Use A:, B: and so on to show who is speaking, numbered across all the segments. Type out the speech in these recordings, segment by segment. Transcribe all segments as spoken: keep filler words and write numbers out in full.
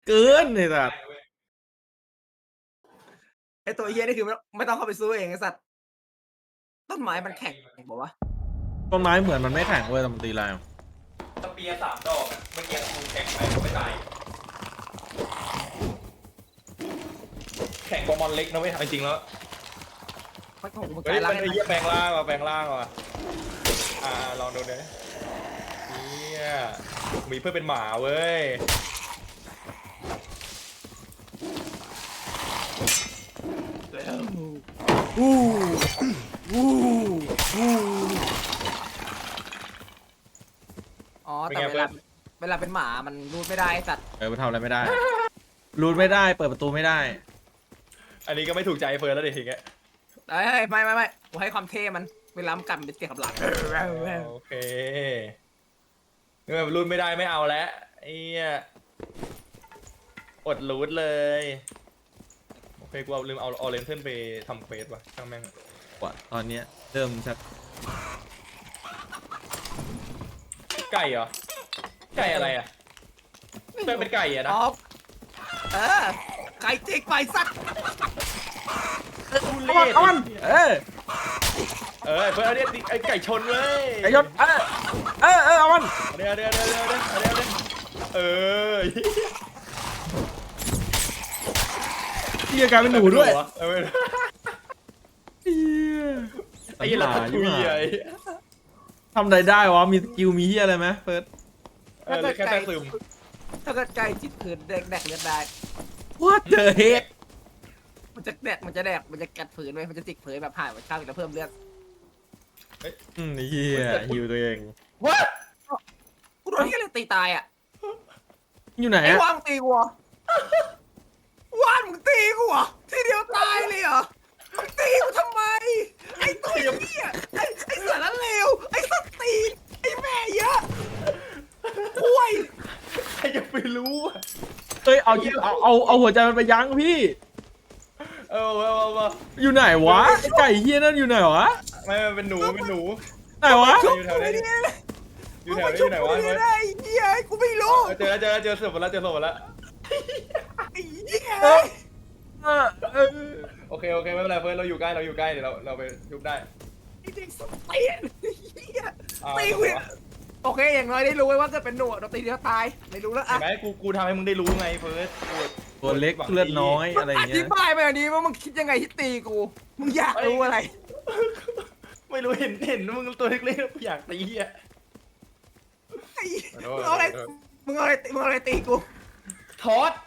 A: เกินเลยสัตว์
B: ไอตัวเฮียนี่คือไม่ไม่ต้องเข้าไปสู้เองไอสัตว์ต้นไม้มันแข็งบอกว่า
A: ต้นไม้เหมือนมันไม่แข็งเว้ยแต่มันตีแรง
C: สเปียร์สามดอกอะเมื่อกี้กูแข่งไปก็ไม่ตายแข่งกมอนเล็กนะเว้ยจริงๆแล้ว
B: มันของมึง
C: เฮ้
B: กาย ยร่าง
C: มันไอ้เหี้ยแปลงร่างว่ะแปลงร่างว่ะอ่าลองดูเนยเนี่ยมีเพื่อนเป็นหมาเว้ย
B: อู้อู้อู้อ๋อแต่เวลาเวลาเป็นหมามันรูดไม่ได้สัตว์
A: เออมันทำอะไรไม่ได้รูดไม่ได้เปิดประตูไม่ได้
C: อันนี้ก็ไม่ถูกใจเฟิร์นแล้วดิทีเงี้ย
B: เอ้ยไม่ไม่ไม่กูให้ความเท่มันเวลามันกัดมันเป็นเสียงขับหลัง
C: โอเคเมื่อรูดไม่ได้ไม่เอาแล้วไอ้เหี้ยอดรูดเลยโอเคกูเอาลืมเอาออเรนเทิร์นไปทำเควสว่ะช่างแม่ง
A: กว่าตอนเนี้ยเริ่มชัก
C: ไก่เหรอไก่อะไรอ่ะเป็นเป็นไก่อ่ะนะ
B: เออไก่จิกไปสัตว์
A: เอามันเอามันเออ
C: เออเพื่อนเรียกไอ้ไก่ชนเลย
A: ไก่ชนเออเออเออเอามัน
C: เดี๋ยวเดี๋ยวเดี๋ยวเดี๋ยวเดี๋ยวเดี๋ยวเออ
A: เฮียกลายเป็นหนูด้วย
C: ไอ้หลาทุยไอ้
A: ทำอะไรได้วะมีสกิลมีเฮียอะไรไหมเฟิร์ส
C: เออแค่แค่ซึม
B: ถ้าเกิดไก่จิตขืนแดกแดกเลือดได้
A: What the heck
B: มันจะแดกมันจะแดกมันจะกัดผืนไว้มันจะจิกผืนแบบหายมันข้าวจะเพิ่มเลือด
A: อืมเฮียฮิวตัวเอง
B: ว้ากูโดนที่อะไรตีตายอ่ะ
A: อยู่ไหน
B: ไอ้
A: อะ
B: ว่างตีกูว่านมึงตีกูอ่ะทีเดียวตายเลยเหรอมึงตีกูทำไมไอ้ตัวเหี้ยไอ้ไอ้สารเลวไอ้สตีนไอ้แม่เยอะคุย
C: ใครจะไปรู้
A: เฮ้ยเอาเอาเอาเอาหัวใจมันไปยั้งพี่
C: เออเอาเอาเอา
A: อยู่ไหนวะไอ้ไก่เฮียนั่นอยู่ไหนวะ
C: ไม่เป็นหนูเป็นหนู
A: ไหนวะ
C: อยู่แถวนี้อยู่แถวนี้อยู่ไหนวะ
B: ไอ้เหี้ยกูไม่รู้
C: เจอเจอเจอศพแล้วเจอศพแล้ว
B: ไอ้เหี้ย
C: โอเคโอเคไม่เป็นไรเฟิร์นเราอยู่ใกล้เราอยู่ใกล้เดี๋ยวเราเราไปยุบได้
B: ไอ้เด็กสตีนเหี้ยตีกูโอเคอย่างน้อยได้รู้ไว้ว่าเกิดเป็นหนูเราตีเดียวตายไม่รู้แล้วอ่ะ
C: เห็นไหมกูกูทำให้มึงได้รู้ไงเฟิร์ส
A: ตัวเล็กเลือดน้อยอะไรอย่างเงี้ยอ
B: ธิบายมาอย่างนี้ว่ามึงคิดยังไงที่ตีกูมึงอยากรู้อะไร
C: ไม่รู้เห็นเห็นมึงตัวเล็กๆอยากตีอ่ะ
B: มึงเอาอะไรมึงเอาอะไรมึงเอาอะไรตีกู
C: ทอด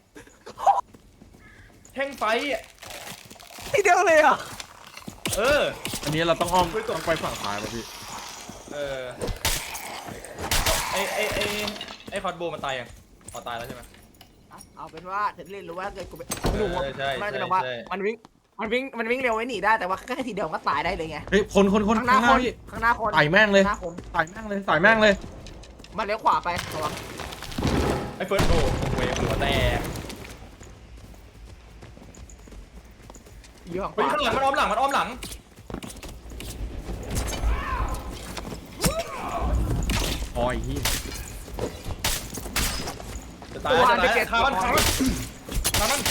C: แท่งไฟอ่ะ
B: ทีเดียวเลยอ่ะ
C: เออ
A: อันนี้เราต้องอ้อมต้องไปฝั่งซ้ายป่ะพี่
C: เออไอไอไอไอคอร์ดโบมันตายยังพอตายแล้วใช่ไหม
B: เอาเป็นว่าเธอเล่นรู้ว่าเกิดกูเป็นหนูมันจะบอกว่ามันวิ่งมันวิ่งมันวิ่งเร็วไว้หนีได้แต่ว่าแค่ทีเดียวก็ตายได้เลยไง
A: เฮ้ยคนคนคน
B: ข้างหน้าคนข้างหน้าคน
A: ใส่แม่งเลยใส่แม่งเลยใส่แม่งเลย
B: มันเลี้ยวขวาไประวัง
C: ไอเฟิร์สโบเวฟหัวแตก
B: อยู่ข้าง
C: หลังมันอ้อมหลังมันอ้อมหลัง
A: อ๋อไอ้เหี้ย
C: จะตายจะตายขามันขามันขามัน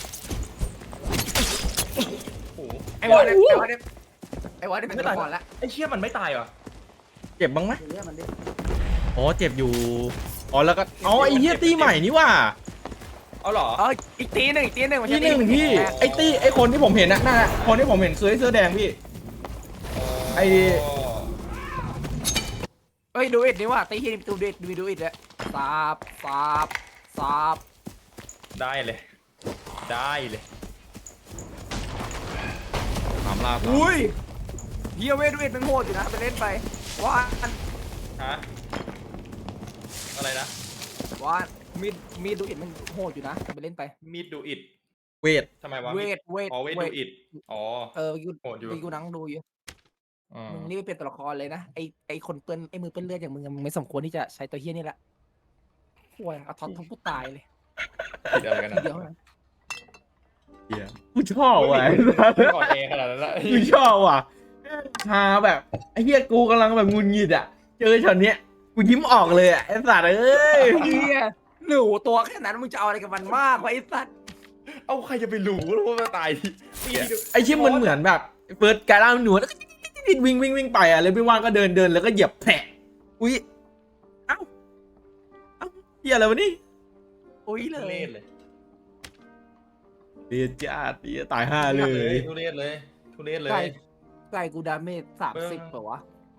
B: ไอ้วอลเนี่ยไอ้วอลเนี่ยไอ้วอลเนี่ยเป็นตัวละครแล้ว
C: ไอ้เชี่ยมันไม่ตายเหรอ
A: เจ็บบ้างไหมอ๋อเจ็บอยู่อ๋อแล้วก็อ๋อไอ้เหี้ยตีใหม่นี่ว่า
C: เอาหรอ
B: เอออีกตีหนึ่งอีกตีหนึ่ง
A: ตีหนึ่งพี่ไอ้ตีไอ้คนที่ผมเห็นน่ะนั่นแหละคนที่ผมเห็นเสื้อเสื้อแดงพี่ไอ้
B: เฮ้ยดูอิดนี่ว่าตีที่ดูอิดดูดูอิดเลยซาบซาบซาบ
C: ได้เลยได้เลย
A: ถามลาบ
B: อุ้ยเฮียเวดูอิดมันโหดอยู่นะไปเล่นไปว่าน
C: ฮะอะไรนะ
B: ว่านมีดมีดดูอิดมันโหดอยู่นะไปเล่นไป
C: มีดดูอิด
A: เวท
C: ทำไมวะ
B: เวทเวท
C: อ๋อเวทดูอิดอ๋อ
B: เออยูโหดอยู่ยูนั่งดูอยู่มึงนี่เป็นตัวละครเลยนะไอไอคนเปื้อนไอมือเปื้อนเลือดอย่างมึงมึงไม่สมควรที่จะใช้ตัวเฮี้ยนี่แหละห่วยเอาท็อปทั้งผู้ตายเลย
C: เดี๋ยวกันนะ
B: เดี๋ยว
A: เฮียกูชอบว่ะ
C: ก่อนเองขนาดนั้นละ
A: กูชอบว่ะฮาแบบไอเฮียกูกำลังแบบงุนงิดอ่ะเจอช็อตเนี้ยกูยิ้มออกเลยอ่ะไอสัตว์เอ้ย
B: เฮียหนูตัวแค่นั้นมึงจะเอาอะไรกับมันมากวะไอ้สัตว์
C: เอาใครจะไปรู้ว่ามันตายที่
A: ไอ้เชี่ยมันเหมือนแบบเปิดการล่าหนวดแล้วก็วิ่งวิ่งวิ่งไปอ่ะเลยไม่ว่างก็เดินเดินแล้วก็เหยียบแผลอุ้ยเอ้าเอ้าเฮียอะไรวะนี่
B: อุ้ยเล
C: ทุเร
B: ย
C: ศเลย
A: เดียจ้าเดียตายห้าเลย
C: ทุเรศเลยทุเรศเล
B: ไก่
C: ย
B: ไก่กูดาเมจสามสิบเปล่าวะ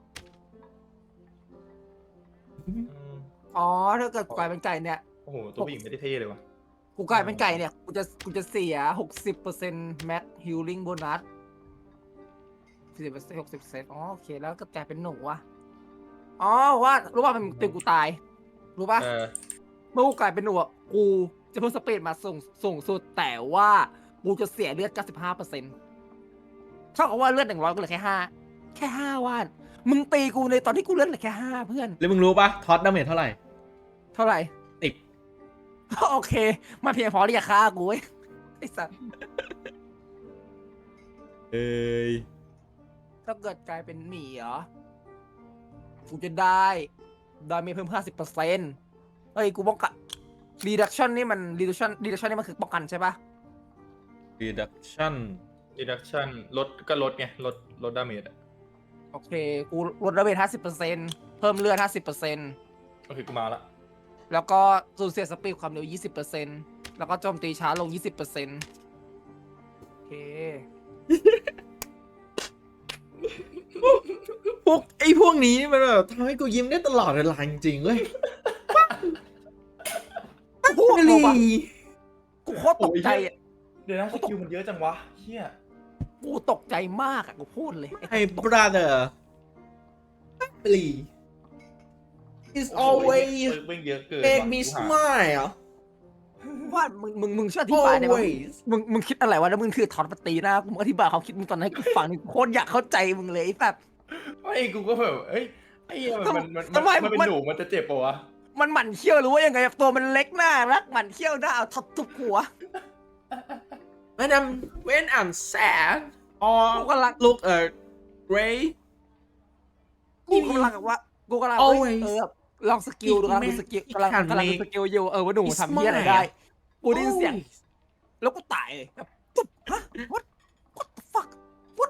C: อืม
B: อ๋อถ้าเกิดกูกลายเป็นไก่เนี่ย
C: โอ้โหตัวผู้หญิงไม่ได้เท่เลยวะ
B: กูกลายเป็นไก่เนี่ยกูจะกูจะเสียหกสิบเปอร์เซ็นต์แม็กฮิลลิ่งโบนัสสิบเปอร์เซ็นต์หกสิบเปอร์เซ็นต์อ๋อโอเคแล้วก็กลายเป็นหนูวะอ๋อว่ารู้ว่ามันเป็นกูตายรู้ป่ะ
C: เออ
B: เมื่อกูกลายเป็นหนูอะกูจะเพิ่มสเปดมาสูงสูงสุดแต่ว่ากูจะเสียเลือด เก้าสิบห้าเปอร์เซ็นต์ เท่ากับว่าเลือดหนึ่งร้อยกูเหลือแค่ห้าแค่ห้าว่านมึงตีกูในตอนที่กูเลือดเหลือแค่ห้าเพื่อน
A: แล้วมึงรู้ปะท็อตดาเมจเท่าไหร่
B: เท่าไหร่
A: ติด
B: โอเคมาเพียงพอที่จะฆ่ากูเว้ยไอ้สัส
A: เอ้ย
B: ถ้าเกิดกลายเป็นหมีเหรอกูจะได้ดาเมจเพิ่ม ห้าสิบเปอร์เซ็นต์ เฮ้ยกูป้องกัน reduction นี่มัน reduction reduction นี่มันคือป้องกันใช่ปะ
A: reduction
C: reduction ลดก็ลดไงลดลดดาเมจอะ
B: โอเคกูลดดาเมจ ห้าสิบเปอร์เซ็นต์ เพิ่มเลือด ห้าสิบเปอร์เซ็นต์
C: ก็คือกูมาละ
B: แล้วก็สูญเสียสปีดความเร็ว ยี่สิบเปอร์เซ็นต์ แล้วก็โจมตีช้าลง ยี่สิบเปอร์เซ็นต์ โอเค
A: พวกไอ้พวกนี้นี่มันแบบทำให้กูยิ้มได้ตลอดเวลาจริงๆเว้ย
B: พวก
A: ลี
B: รู้ปะกูโคตรตกใจอ่ะ
C: เดี๋ยวนะสกิลมันเยอะจังวะเฮีย
B: กูตกใจมากอ่ะ กูพูดเลย
A: ไอ้ brother ลี is
C: โอ้โห
A: always
C: เบิ่งเยอะเกิน
A: make
C: ว่ะ
A: me
C: กูหา
A: smile
B: ว่ามึงมึงมึงช่วยอธิบายได้ไหม
A: always
B: มึงมึงคิดอะไรวะแล้วมึงคือถอดปตีหน้ากูมึงอธิบายความคิดมึงตอนนั้นให้กูฟังนี่กูโคตรอยากเข้าใจมึงเลยไอ้แบบ
C: ไม่กูก็แบบเอ้ยไอ้เหี้ยมันมัน
B: ทำไม
C: มันเป็น
B: มัน
C: หนูมันจะเจ็บปะวะ
B: มันหมั่นเขี้ยวหรือว่ายังไงตัวมันเล็กหน้ารักหมั่นเขี้ยวหน้าเอาทับทุบหัว
A: when I'm when I'm sad
B: กู
A: or
B: กำลัง
A: look uh gray
B: กูกำลังแบบว่ากูกำลังเอ้ย
A: always
B: เออแบบลองสกิลดูกำลังดูสกิล
A: it
B: กำลัง
A: can
B: กำลังดู
A: make
B: สกิลอยู่เออว่าหนูทำเหี้ยอะไรได้ กูได้ยินเสียง
A: always
B: แล้วกูตายเลยแบบตุ๊บฮะ what what the fuck what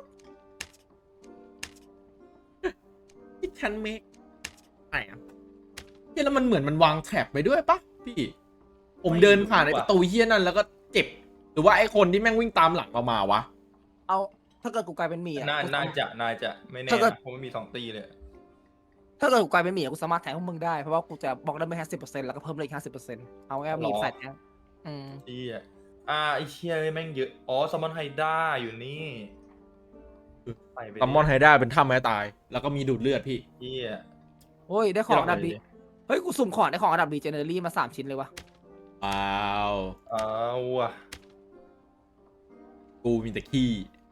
A: it can make ไหนอ่ะเฮียแล้วมันเหมือนมันวางแถบไปด้วยปะพี่ ผมเดินผ่านไอ้ประตูเฮียนั่นแล้วก็เจ็บ หรือว่าไอ้คนที่แม่งวิ่งตามหลังเรามาวะ
B: เอาถ้าเกิดกูกลายเป็นหมีอะ
C: น่า
B: กู
C: น่า
B: สามารถ
C: จะน่าจะไม่แน่
B: ถ้าเกิด
C: นะเพราะมันมีสองตีเลย
B: ถ้าเกิดกูกลายเป็นหมีอะกูสามารถแทงพวกมึงได้เพราะว่ากูจะบล็อกได้ไม่ห้าสิบเปอร์เซ็นต์แล้วก็เพิ่มเลยอีกห้าสิบเปอร์เซ็นต์เอาแค่มีใส่แทงอืม
C: เฮียอ่าไอ้เชี่ยแม่งเยอะอ๋อซัมมอนไฮด้าอยู่นี่ไปไปดิ
A: ซัมมอนไฮด้าเป็นถ้ำไม้ตาย แล้วก็มีดูดเลือดพี่
C: เฮีย
B: โอ้ยได้ของอันดับดี
C: เดี๋ยว
B: เฮ้ยกูสุ่มของได้ของอันดับดีเจเนอรี่มาสามชิ้นเลยวะ
A: ว้าว
C: เอาว่ะ
A: กูมีแต่ขี้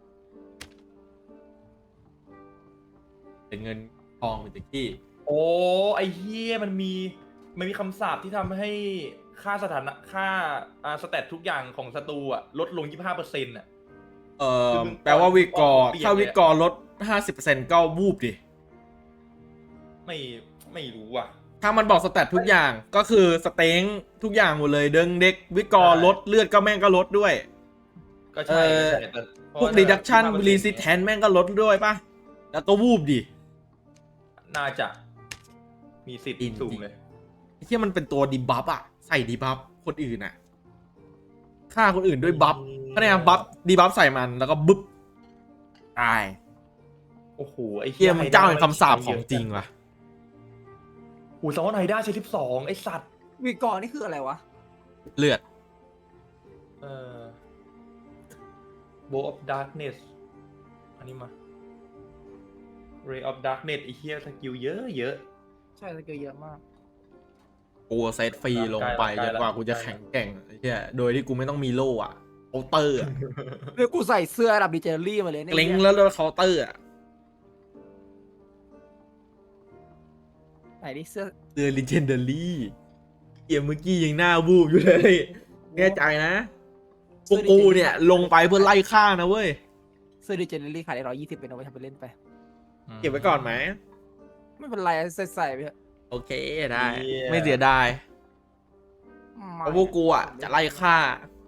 A: เป็นเงินทองมีแต่ขี้
C: โอ้ไอ้เฮียมันมีมันมีคำสาปที่ทำให้ค่าสถานะค่าอ่าสแตททุกอย่างของศัตรูอะลดลง ยี่สิบห้าเปอร์เซ็นต์ อ่ะ
A: เอ่
C: คือ
A: อ
C: มึง
A: แปลว่าวิกอร์
C: เปลี่ยน
A: ถ้า
C: เลยอะ
A: วิกอร์ลด ห้าสิบเปอร์เซ็นต์ ก็วูบดิ
C: ไม่ไม่รู้อ่ะ
A: ถ้ามันบอกสแตททุกอย่างก็คือสเต็งทุกอย่างหมดเลยเดิงเด็กวิกอร์
C: ใช่
A: ลดเลือดก็แม่งก็ลดด้วย
C: ก็ใช่
A: เอ่อ
C: ก็ใช่แต่เพราะ
A: พวก
C: ว่า
A: reduction
C: ยี่สิบห้าเปอร์เซ็นต์
A: resistance แม่งก็ลดด้วยป่ะ แล้วก็วูบดิ
C: น่าจะมีสิทธิ์
A: จริง
C: สูงเลย
A: ไอ้ที่มันเป็นตัวดีบัฟอะใส่ดีบัฟคนอื่นอะฆ่าคนอื่นด้วยบัฟก็เนี่ยบัฟดีบัฟใส่มันแล้วก็บึ๊บตาย
C: โอ้โหไอ้
A: เฮียมันเจ้าแห่งคำสาปของจริงว่ะ
C: โอ้โหซัมมอนไฮด้าใช้สิบสองไอ้สัตว์
B: วีกอร์นี่คืออะไรวะ
A: เลือด
C: เอ่อ Bow of Darkness อันนี้มา Ray of Darkness ไอ้เฮียสกิลเยอะเยอะ
B: ใช่สกิลเยอะมาก
A: กูเซตฟรีลงไป
C: ใกล้
A: จ
C: ละ
A: นกว่ากูจะ
C: ใกล้ละ
A: แข็งแกร่งไอ้เหี้ยโดยที่กูไม่ต้องมีโล่อะเคาน์เตอร์อะ
B: เดี๋ยวกูใส่เสื้ออันดับดีเจเนอรี่มาเลยเนี่ย
A: เกร็งแล้วโดนเคาน์เตอร์อะ
B: ไหนดิเสื้อ
A: เดือ legendary เกมเมื่อกี้ยังหน้าบูบอยู่เลยแน่ใจนะพวกกูเนี่ยลงไปเพื่อไล่ฆ่านะเว้ย
B: เสื้อดีเจเนอรี่ขายได้ร้อยยี่สิบเป็นเอาไปทำไปเล่นไป
A: เก็บไว้ก่อนไหม
B: ไม่เป็นไรใส่ใส่ไปเถอะ
A: โอเคได้ ไม่เสียดายเพราะพวกกูอ่ะจะไล่ฆ่า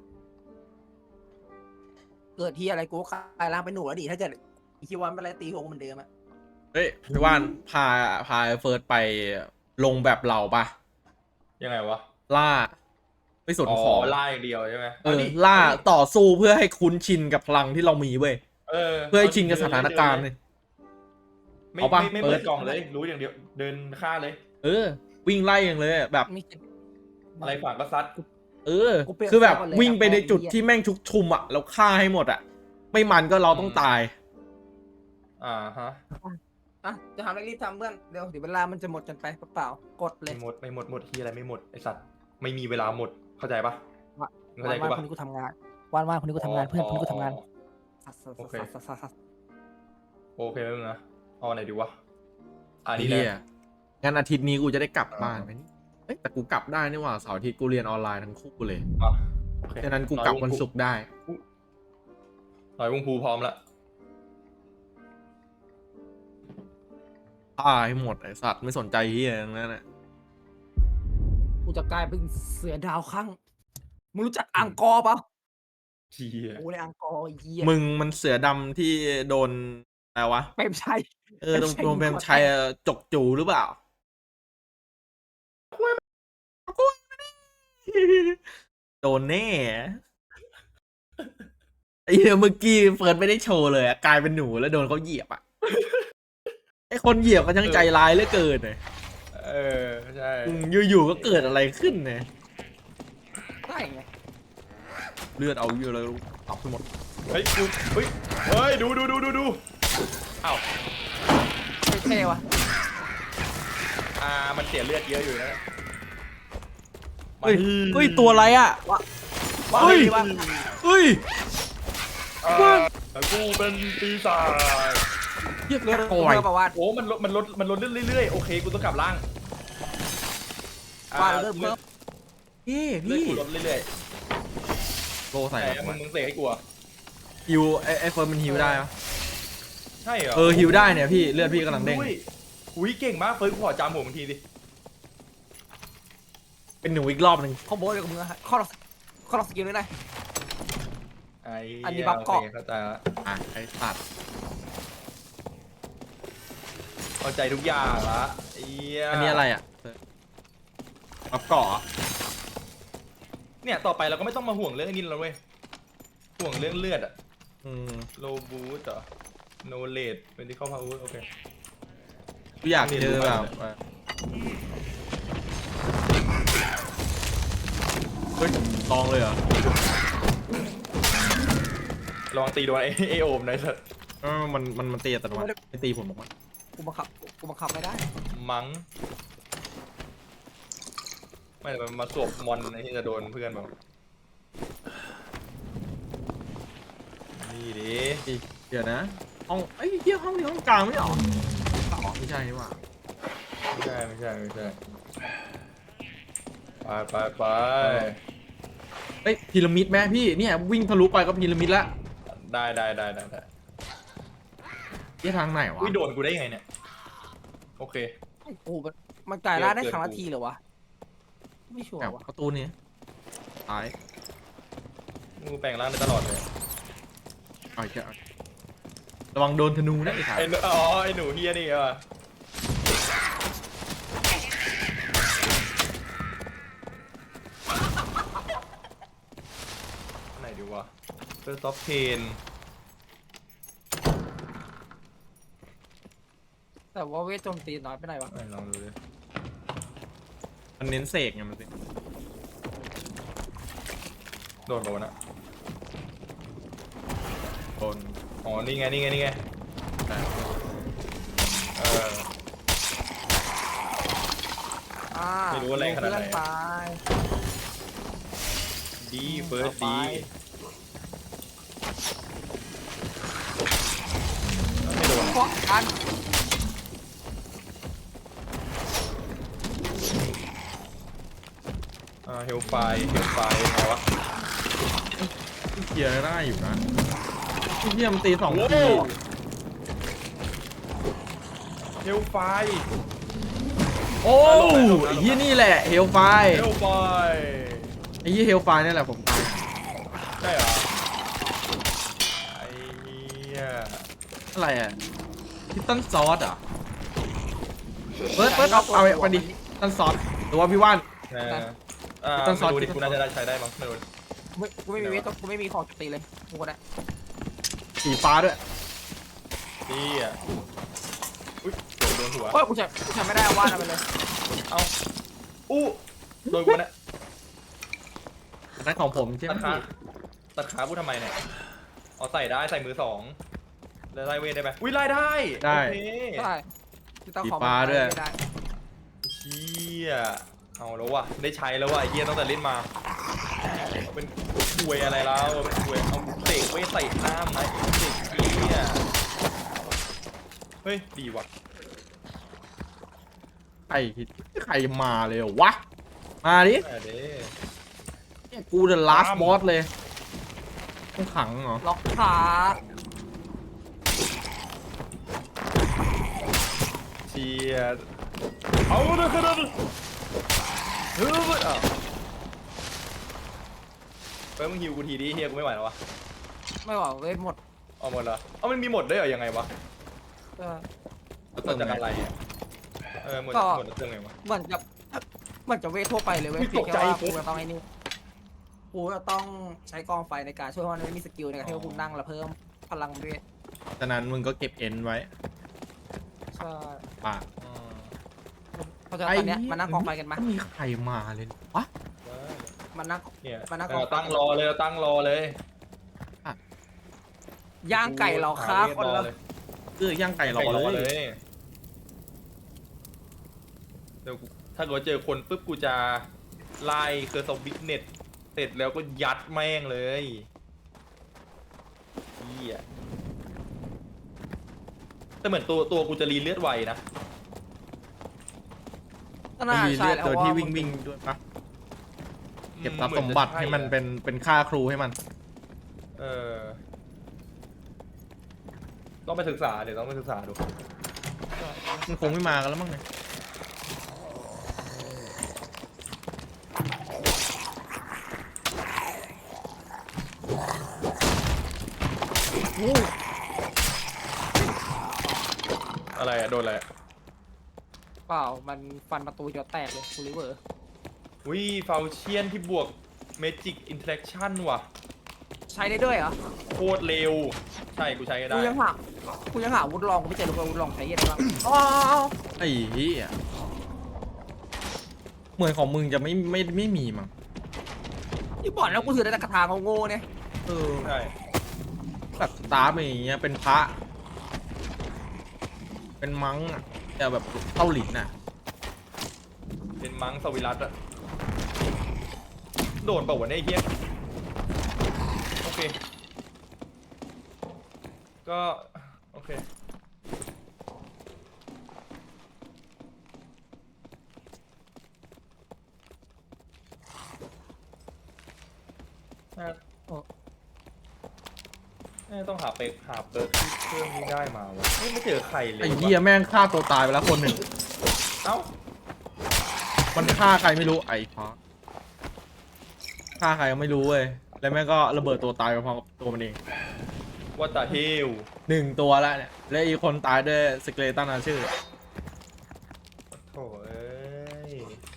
B: เกิดที่อะไรกูก็กลายร่างเป็นหนูแล้วดิถ้าเกิดอีคิววันเป็นอะไรตีหัวกูเหมือนเดิมอะ
A: เฮ้ยพี่ว่านพาพาเฟิร์สไปลงแบบเราปะ
C: ยังไงวะ
A: ล่าไม่สน
C: อ๋อ
A: ของ
C: ล่าอย่างเดียวใช่ไหม
A: เออ
C: ดิ
A: ล่าต่อสู้เพื่อให้คุ้นชินกับพลังที่เรามีเว้ย
C: เออ
A: เพื่อให้ชินกับสถานการณ์เลย
C: ไม่
A: เอาปะ
C: ไม่ไม่
A: เปิ
C: เปิ
A: ด
C: ดกล่องเลย รู้อย่างเดียวเดินฆ่าเลย
A: เออ วิ่งไล่อย่างเลยอะแบบ
B: ไม่คิด
C: อะไรขวางก็ซัด
A: เออ
B: กูเปลี่ยน
A: คือแบบ
B: เสื้อก่อนเลย
A: วิ่งไป
B: อะ
A: ในจุด
B: พอดีอะ
A: ที่แม่งชุกชุมอ่ะแล้วฆ่าให้หมดอ่ะ ไม่มันก็เราต้องตาย
C: อ่าฮะ
B: อ่ะจะทำอะไรรีบทำเพื่อนเดี๋ยวเดี๋ยวเวลามันจะหมดกันไปเปล่าๆกดเลย
C: ไม่หมดไม่หมดหมดที่อะไรไม่หมดไอสัตว์ไม่มีเวลาหมดเข้าใจปะ
B: ว่า
C: เข้าใจ
B: วัน
C: กู
B: ว่าง
C: ปะ
B: คนนี้กูทำงานวันว่างคนนี้กูทำงานเพื่อนคนนี้กูทำงานสัสสัส
C: โอเค
B: สัสสัสสัส
C: โอเคแล้วนะเอาไหนดีวะอันนี้
A: เฮี
C: แห
A: ย
C: ละ
A: งั้นอาทิตย์นี้กูจะได้กลับบ้าน
C: อ่า
A: ไหมนี่เอ้ยแต่กูกลับได้นี่หว่าเสาร์อาทิตย์กูเรียนออนไลน์ทั้งคู่เลย
C: อ่ะโอเค
A: ฉะนั้นกูกลับวันศุกร์ได้
C: หน่อยวงภูพร้อมละ
A: ฆ่าให้หมดไอสัตว์ไม่สนใจเฮียทั้งนั้นอ่ะ
B: กูจะกลายเป็นเสือดาวข้างมึงรู้จักอังกอร์ปะ
C: เชี่ย
B: กูในอังกอร์ไอ้เหี้ย
A: มึงมันเสือดำที่โดนอะไรวะ
B: เปรมชัย
A: เออโดนโดนเปรมชัยจกจูหรือเปล่า โดนแน่ไอ้เหี้ยเมื่อกี้เฟิร์สไม่ได้โชว์เลยอะกลายเป็นหนูแล้วโดนเขาเหยียบอะไอ้คนเหยียบก็ช่างใจร้ายเหลือเกินเลย
C: เออใช่
A: อืมอยู่ๆก็เกิดอะไรขึ้นเนี่ย
B: ได้ไง
A: เลือดเอาเยอะเลยเอาไปหมด
C: เฮ้ยกูเฮ้ยเฮ้ยดูดูดูดูดูอ้าว
B: เท่ๆวะ
C: อ่ามันเสียเลือดเยอะอยู่นะ
A: เฮ้ยเฮ้ยตัวอะไรอะ
B: ว่า
A: เฮ้ย
B: ว่า
A: เฮ้ย
C: อ่ากูเป็นปีศาจ
A: เรียก
B: เลือด
A: โอย
B: เลือดประวัติ
C: โอ้มันลดมันลดมันลดเรื่อยๆโอเคกูต้องกลับล่าง
B: ว่า
C: อ่า
B: เลือดเพิ่ม
A: เฮ้ย
C: เลือด
A: พี่
C: กูลดเรื่อย
A: โล
C: ๆ
A: ใส่
C: แต่
A: แบบ
C: มึงมึงเสกให้กูอะ
A: ฮิวไอ้ไอ้เฟิร์นมันฮิวได้ปะ
C: ใช่เหรอ
A: เออฮิวได้เนี่ยพี่เลือดพี่กำลังเด้ง
C: อุ้ยอุ้ยเก่งมากเฟิร์นกูขอจำผมทีดิ
A: เป็นหนูอีกรอบหนึ่ง
B: คอมโบเลยกับมึงอะข้อข้อสกิลเลยนะ
C: ไอ้
B: อันนี้บัฟเกาะ
C: โอคเข้าใจละ
A: อ่ะไอ้สัตว์
C: เข้าใจทุกอย่างละไอ้เหี้ย
A: อันนี้อะไรอ่ะรับเกาะ
C: เนี่ยต่อไปเราก็ไม่ต้องมาห่วงเรื่องนี้แล้วเว้ยห่วงเรื่องเลือดอะ
A: อืม
C: โลบูสเหรอโนเลดเป็นที่เข้าพาวเวอร์โอเค
A: กูอยากเจอแบบเฮ้ยลองเลยเหรอ
C: ลองตีโดนไอ้ไอโอมหน่อยเถอะ
A: เออมันมันมันตีอัตโนมัติไม่ตีผมหรอกมั้ง
B: กูบังคับกูบังคับไม่ได้
C: มั้งไม่แต่มันมาสวบมอนไอ้ที่จะโดนเพื่อนบอกนี่ดิ
A: เดี๋ยวนะห้องไอ้ยเหี้ยห้องนี้ห้องกลางไม่เหรออ๋อไม่ใช่นี่หว่า
C: ไม่ใช่ไม่ใช่ไม่ใช่ไปไปไป
A: เฮ้ยพีระมิดไหมพี่เนี่ยวิ่งทะลุไปก็พีระมิดละ
C: ได้ได้ได้ได้ได้
A: เหี้ยทางไหนวะ
C: วิโดนกูได้ยังไงเนี่ยโอเค
B: โอ้โหมันมันกลายร่างได้ครั้งละทีเหรอวะไม่ชัวร์
A: แบบ
B: วะ
A: ประตูนี้ตาย
C: กูแปลงร่างได้ตลอดเลย
A: เอาอีกแล้วระวังโดนธนูนะไอ้ถ่าย
C: ไอ้หนูอ๋อไอ้หนูเฮียนี่อ่ะไหนดีวะเฟอร์ซอฟเพน
B: แต่ว่าเวทโจมตีน้อยไปไหนวะ
C: ไหนลองดูดิ
A: มันเน้นเสกไงมันสิ
C: โดนโดนอะ
A: โดน
C: อ๋อนี่ไงนี่ไงนี่ไง
A: แต่
C: เออ
B: อ่า
C: ไม่รู้ว่าแรงขนาดไหน
B: เพื่อตาย
C: ดีเฟิร์ส
B: ต่อ
C: ดี
B: ไป
C: ไม่โดน
B: เพราะกัน
C: อ่าเฮลไฟเฮลไฟไงวะ
A: เคลียร์ได้อยู่นะที่เทียมนตีสอง
C: โอ้
A: ที
C: เฮลไฟ
A: โอ้ยเฮียนี่แหละเฮลไฟ
C: เฮลไฟ
A: อ้ยี่เฮลไฟนี่แหละผมตาย
C: ใช่เหรอไอ้เหี้ย
A: อะไรอ่ะพิตตันซอสอ่ะเปิดเปิดเอาเอาไปดิพิตตันซอสหรือว่าพี่ว่าน
C: เอออ่า
A: ต้นซอส
C: ไม่รู้ดิ
A: ต้นซอส
C: กูน่าจะได้ใช้ได้มั้งไม่รู้
B: กูไม่กูไม่มีเวทกูไม่มีของจุดตีเลยกูก็ได้
A: สีฟ้าด้วย
C: นี่อ่ะอุ้ยโดนหัว
B: โอ้ยกูใช้กูใช้ไม่ได้วาดเอาไปเลย
C: เอาอู้โดนกูนะ
A: นั่นของผมใช่ไหม
C: ตัดขาตัดขากูทำไมเนี่ยเอาใส่ได้ใส่มือสองแล้วไล่เวทได้ไหมอุ้ยไล่ได้
A: ได้
C: โอเค
B: ได้ที่ต้อง
A: สี
B: ขอ
A: ฟ้าด้วย
B: ไม่ได้
C: เชี่ยเอาแล้วว่ะได้ใช้แล้วว่ะไอ้เฮียตั้งแต่เล่นมา เป็นควยอะไรแล้วเป็นควยเอาเตะไว้ใส่หน้าไหมเด็กเฮียเฮ้ยดีว่ะ
A: ใครใครมาเลยเหรอวะมาดิ
C: อ่ะเด้
A: เนี่ยกูเดอะลาสบอสเลยต้องขังเหรอ
B: ล็อกขา
C: เชียเอาเลยครับเฮ้ยอ้าวเฮ้ยมึงฮิวกูทีดิเฮียกูไม่ไหวแล้ววะ
B: ไม่ไหวเวทหมด
C: เอาหมดเหรอเอามันมีหมดด้วยเหรอยังไงวะ
B: เออ
C: หมดจากอะไรอ่ะเออหมด
B: ก็
C: หมดจากเรื่องไงวะ
B: เหมือนจะเหมือนจะเวททั่วไปเลยเว้ย
C: อุ๊ย
B: เพียง
C: ตกใจ
B: แค่ว่ากูจะต้องไอ้นี่กูจะต้องใช้กองไฟในการช่วยเพราะมันไม่มีสกิลในการที่ว่ากูนั่งแล้วเพิ่มพลังเวท
A: ฉะนั้นมึงก็เก็บเอ็นไว้
B: ใช่
A: ป่ะ
C: อืม
B: เพราะฉะนั้นตอนเนี้ยมานั่งกองไฟกันมา
A: ไม่มีใครมาเลย วะ
B: มานั่ง
C: เนี่ย
B: มานั่ง
C: เราตั้งรอเลยเราตั้งรอเลย
B: ย่างไก่เราครับ
C: ห
B: คน
C: รอ
B: ละ
C: เลย
A: เออย่างไก่รอ
C: ไก่รอ
A: เล
C: เลย ยเดี๋ยวกูถ้าเกิดเจอคนปุ๊บกูจะไล่เคอร์สวิกเน็ตเสร็จแล้วก็ยัดแม่งเลยเฮียแต่เหมือนตัวตัวกูจะรีเลือดไวนะ
B: ก็
A: มัน
B: น่า
A: มี
B: ใช่
A: เลือด
B: แล้ว
A: ตัว
B: ว่า
A: ที่วิ่งวิ่งด้วยปะเก็บทรัพย์สมบัติให้มันเป็นเป็นค่าครูให้มัน
C: เออต้องไปศึกษาเดี๋ยวต้องไปศึกษาดู
A: มันคงไม่มากันแล้วมั้งเนี่ย
C: อะไรอะโดนอะไรอะ
B: เปล่ามันฟันประตูจอแตกเลยคูริเวอร์
C: วิฟาวเชียนที่บวกเมจิกอินเทอร์แอคชั่นว่ะ
B: ใช้ได้ด้วยเหรอ
C: โคตรเร็ว ใช่กูใช้ก็ได้
B: กูยังหากูยังหาอาวุธลองกูไม่เจอเลยอาวุธลองใช้ยังไงบ้างอ๋อ
A: ไอ้เหี้ยเหมือนของมึงจะไม่ไม่ไม่มีมั้ง
B: ที่บอกแล้วกูถือได้แต่กระถางโง่ๆเนี่ย
A: เออ
C: ใช่
A: แบบสตาร์ฟอย่างเงี้ยเป็นพระ เป็นมังอะแต่แบบเท่าหลินอะ
C: เป็นมังสวิรัตอะโดนเปล่าวะเนี่ยไอ้เฮียโอเค ก็โอเคน่าน่าต้องหาเปิกหาเปิร์กที่เครื่องนี้ได้มาวะเฮ้ยไม่เจอใครเลย
A: ไอ้
C: วะ
A: เหี้ยแม่งฆ่าตัวตายไปแล้วคนหนึ่ง
C: เอ้า
A: มันฆ่าใครไม่รู้ไอ้พระฆ่าใครก็ไม่รู้เว้ยแล้วแม่งก็ระเบิดตัวตายไปพร้อมกับตัวมันเอง
C: ว่าตาเฮล
A: หนึ่งตัวแล้วเนี่ยและอีกคนตายด้วยสเกเลตันอาชื่อ
C: โถ่เอ้ย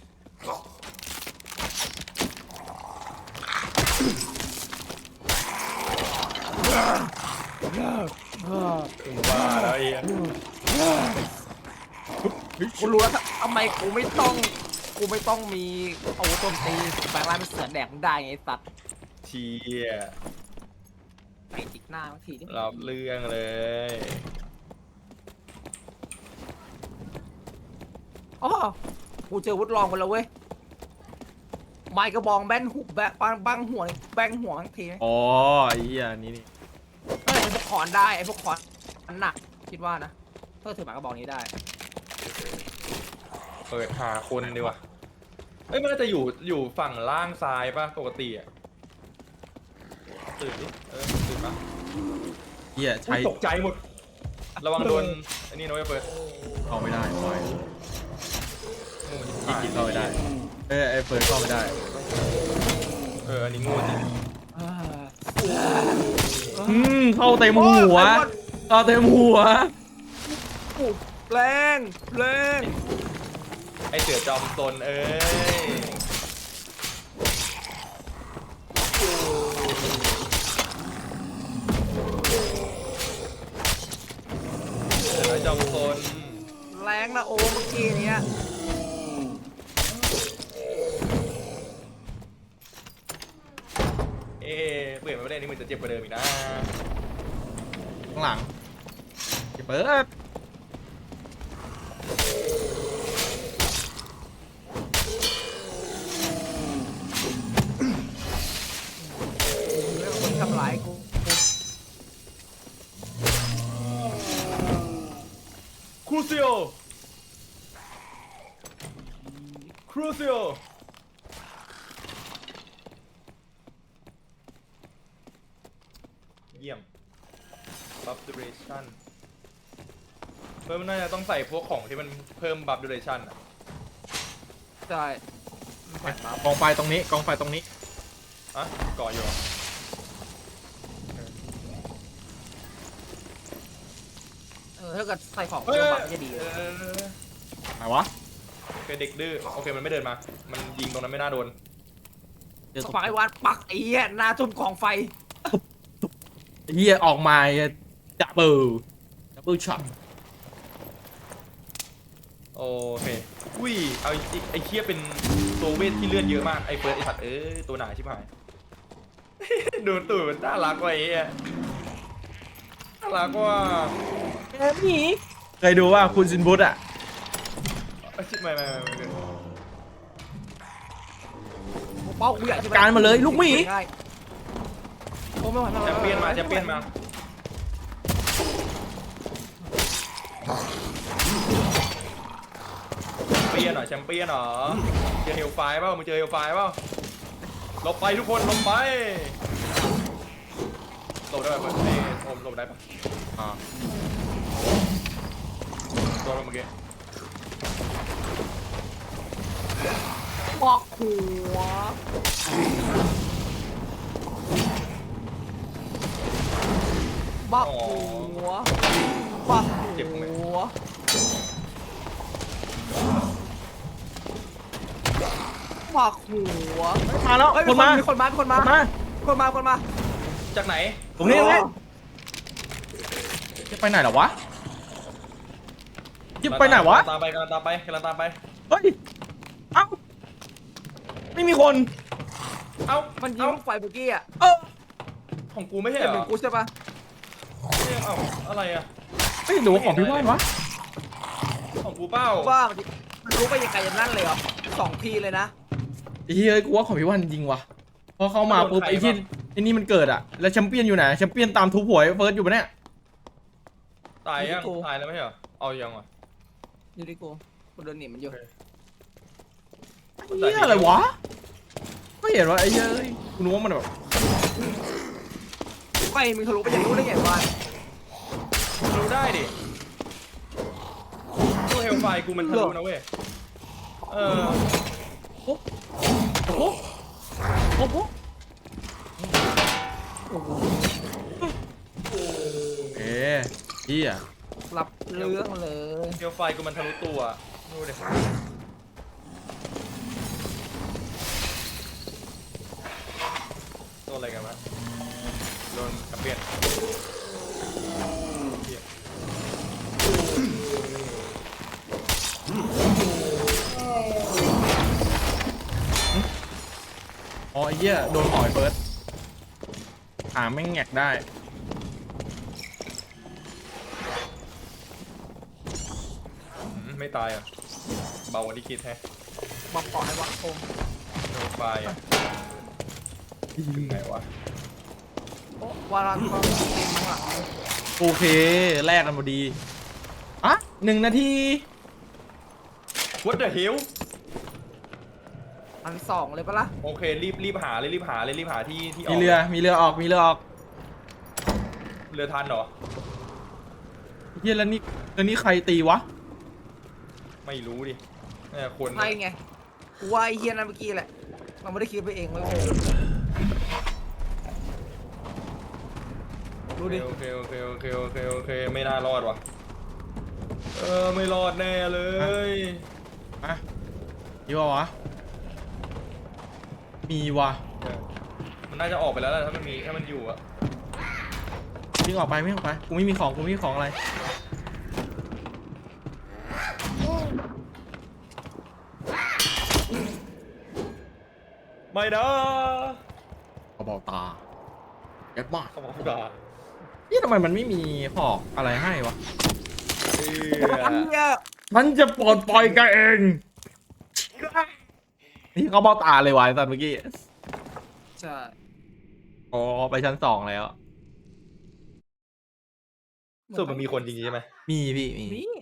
C: ถึงว่าแล้วไอ้เหี้ย
B: กูรู้แล้วทำไมกูไม่ต้องกูไม่ต้องมีอาวุธโจมตีแปลงร่างเป็นเสือแดกได้ไงไอ้สัตว์
C: เชีย
B: ไปจิกหน้าบางทีนี่
C: รับเรื่องเลย
B: อ๋อกูเจออาวุธลองไปแล้วเว้ยไม้กระบองแบนหุบแบะบังบังหัวแบงหัวบางที
A: อ๋อไอ้เหี้ยนี่นี่
B: เออไอ้พวกขอนได้ไอ้พวกขอนมันหนักคิดว่านะถ้าถือหมากระบอกนี้ได้
C: เปิดหาคนดีกว่าเอ้ยมันน่าจะอยู่อยู่ฝั่งล่างซ้ายป่ะปกติอ่ะตื่นดิเออตื่นป่ะ
A: เหี้ย
C: อุ๊
A: ใช้
C: ยตกใจหมด ระวังโดนอันนี้นะเว้ยเปิด
A: เข้าไม่ได้ปล่อยอีกกินเข้าไม่ได้เออไอ้เฟิร์สเข้าไม่ได้
C: เอออันนี้โง่จริง
A: อืมเข้าเต็มหัวเข้าเต็มหัว
B: แรงแรง
C: ไอเสือจอมซนเอ้ยเสือจอมซน
B: แรงนะโอเมื่อกี้เนี้ย
C: เอ๊ะเปลี่ยนมาไม่ได้นี่มันจะเจ็บกว่าเดิมอีกนะ
A: ข้างหลังอย่าเปิด
B: เรื่องคนทำร้ายกู
C: ครูซิโอครูซิโอเยี่ยม บัฟดูเรชั่นเพิ่มน่าจะต้องใส่พวกของที่มันเพิ่มบัฟดูเรชั่นอ่ะ
B: ใช่
A: กองไฟตรงนี้กองไฟตรงนี้
C: อ่ะก่ออยู่เหรอ
B: เออถ้าเกิดใส่ของ
C: เฮ้ย
B: เพิ่มบัฟจะดี
C: เออ
A: ไหนวะ
C: โอเคเด็กดื้อโอเคมันไม่เดินมา มันยิงตรงนั้นไม่น่าโดน
A: เจอ
B: ส
A: ตัว
B: ปายวันปักไอ้เหี้ยหน้าจุ่มกองไฟ
A: เฮียออกมาจับเบิลจับเบิลช็อต
C: โอเคอุ้ยเอาไอ้ไอ้เคียเป็นตัวเวทที่เลือดเยอะมากไอ้เฟิร์สไอ้สัตว์เอ้ยตัวหนาชิบหาย ดูตูดมันน่ารักกว่าไอ้เหี้ยน่ารักกว่า
A: แอบหนีเคยดูว่าคุณซินบุตอ่ะ
C: ไม่ไม่ไม่ไม่
B: เป้ากูอยากจะ
A: การมาเลยลูกหมี
B: ง่ายโอ้ไม่ไหวไม่ไหว
C: แชมเปี้ยนมาแชมเปี้ยนมาแชมเปี้ยนเหรอแชมเปี้ยนเหรอเจอเฮลไฟเปล่ามึงเจอเฮลไฟเปล่าหลบไปทุกคนหลบไปหลบได้ป่ะไอ้โอมหลบได้ป่ะ
A: อ่า
C: โดนเมื่อกี้
B: บอกหัวบอกหัวบอกหัวบอกหัว
A: มาแล้ว
B: เฮ้ย
A: คนมา
B: มีคนมามีคนมา
A: คนมา
B: คนมาคนมา
C: จากไหน
A: ตรงนี้ตรงนี้จะไปไหนเหรอวะจะไปไหนวะ
C: ตามไปกำลังตามไปกำลังตามไป
A: เฮ้ยเอ้าไม่มีคน
C: เอ้า
B: มันยิง
C: เอ้า
B: ลูกไฟเมื่อกี้อ่ะ
A: เอ้า
C: ของกูไม่ใช่
B: เห็น
C: เหร
B: เป็
C: อน
B: กูใช่ปะ
C: เอ้าอะไรอะ
A: ไม่ดูของพี่ว่านวะ
C: ของกูเป้า
B: ว่ามันมันรู้ไปยังไงอย่างนั้นเลยเหรอสองทีเลยนะ
A: ไอ้เฮ้ยกูว่าของพี่ว่านจริงว่ะพอเข้ามาปุ๊บไอ้ที่ไอ้นี่มันเกิดอะแล้วแชมเปี้ยนอยู่ไหนแชมเปี้ยนตามทุบหัวไอ้เฟิร์สอยู่ปะเนี่ย
C: ตายยังตายแล้วไม่ใช่เหรอเอายังอ่ะ
B: อยู่ที่กูกูเดินหนีมันอยู่
A: เฮียอะไรวะก็เห็นว่าไอ้เฮ้ยกูนึกว่ามันแบบ
B: ไฟมึงทะลุไปอย่างนู้นได้ไงวะ
C: รู้ได้ดิตัวเฮลไฟกูมันทะลุนะเว้ยเออ
A: โอ้โหโอ้โห
B: โอ้โห
A: เอ๊ะเฮีย
B: รับเรื่องเลย
C: เฮลไฟกูมันทะลุตัวดูดิตัวอะไรกันวะโดนกระเปียนเหี้ย
A: อ๋อไอ้เหี้ยโดนหอยเฟิร์สขาแม่งแงกได้
C: อืมไม่ตายอ่ะเบากว่าที่คิดแฮะ
B: บอกก่อนให้วัดคม
C: เฮลไฟอ่ะถึงไหนวะ
B: โอ้วารันก็เต็มข้างหลัง
A: โอเคแลกกันพอดีอ่ะหนึ่งนาที
C: What the hell
B: อันสองเลยปะล่ะ
C: โอเครีบรีบหาเลยรีบหาเลยรีบหาที่ที่อ
A: มี
C: อก
A: เรือมีเรือออกมีเรือออก
C: เรือทันเหรอ
A: เฮียแล้วนี่แล้วนี่ใครตีวะ
C: ไม่รู้ดิน่าจะคน
B: ใช่ไงกูว่าไอ้เฮียนั่นเมื่อกี้แหละเราไม่ได้คิดไปเองเว้ยดูดิ
C: โอเคโอเคโอเคโอเคโอเคไม่น่ารอดว่ะเออไม่รอดแน่เลย
A: อะมีวะวะมีวะ
C: มันน่าจะออกไปแล้วแหละถ้ามันมีถ้ามันอยู่อะ
A: วิ่งออกไปวิ่งออกไปกูไม่มีของกูไม่มีของอะไร
C: ไม่นะ
A: กระบอกตาเย็ดมาก
C: เขาบอกว่า
A: นี่ทำไมมันไม่มีหอกอะไรให้วะ
C: เอ
B: อัน
C: อ
B: เนี้ย
A: ฉันจะปลดปล่อยแกเองนี่เขาบอกตาเลยวะไอ้สัตว์เมื่อกี้
B: ใช่
A: อ๋อไปชั้นสองแล้ว
C: สรุดมันมีคนจริงๆใช่ไหม
A: มีพี่มี
B: นี่